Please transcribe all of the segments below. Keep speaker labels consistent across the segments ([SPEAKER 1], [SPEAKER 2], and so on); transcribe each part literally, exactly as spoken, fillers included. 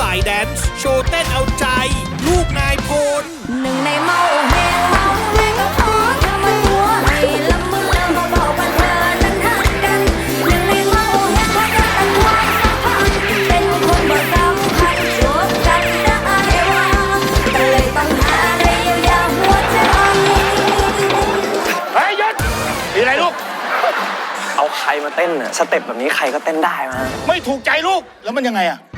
[SPEAKER 1] ายแดนซ์โชว์เต้นเอาใจ ลูกนายพล
[SPEAKER 2] หนึ่งในเมาแหงเมาแหงก็ขอเธอมาตัวให้ละมือเบาๆปันเธอนั้นหักกันหนึ่งในเมาแหงเพราะเธอตั้งไว้สักพักเป็นคนบ่สำคัญจบกันได้ว่าก็เลยต้องหาอะไรเยียวยาหัวใจ
[SPEAKER 3] เฮ้ยหยุดมีอะไรลูก
[SPEAKER 4] เอาใครมาเต้นน่ะสเต็ปแบบนี้ใครก็เต้นได้มา
[SPEAKER 3] ไม่ถูกใจลูกแล้วมันยังไงอะ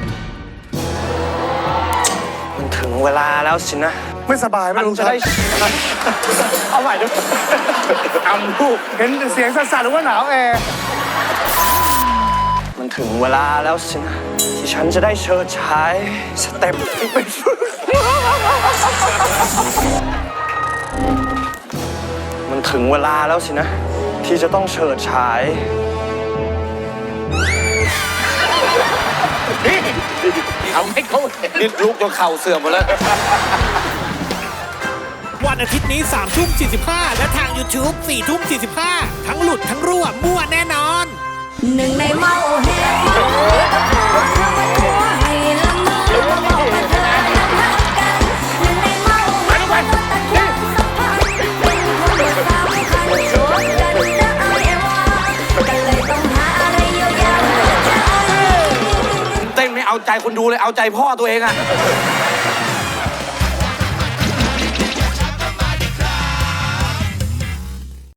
[SPEAKER 4] มันถึงเวลาแล้วสินะ
[SPEAKER 5] ไม่สบายไม่รู้
[SPEAKER 4] จะได้เอาใหม่ด้วย
[SPEAKER 3] ทำลูก
[SPEAKER 5] เห็นเสียงสั่นๆหรือว่าหนาวแอร์
[SPEAKER 4] มันถึงเวลาแล้วสินะที่ฉันจะได้เชิดฉายสเต็ปมันถึงเวลาแล้วสินะที่จะต้องเฉิดฉาย
[SPEAKER 3] เอาให้เขาดิดลูกจนเข่าเสื่อมหมดแล้ว
[SPEAKER 1] วันอาทิตย์นี้สามทุ่มสี่สิบห้าและทาง ยูทูบ สี่ทุ่มสี่สิบห้าทั้งหลุดทั้งรั่วมั่วแน่นอน
[SPEAKER 2] หนึ่งในเมาแหงเมาก็ขอเธอมาตัวให้ละมือเบาๆปันเธอนั้นหักกันหนึ่งในเมาแหงเพราะเธอตั้งไว้สักพักเป็นคนบ่สำคัญจบกันได้ว่าก็เลยต้องหาอะไรเยียวยาหัวใจ
[SPEAKER 3] เต้นไม่เอาใจคนดูเลยเอาใจพ่อตัวเองอะ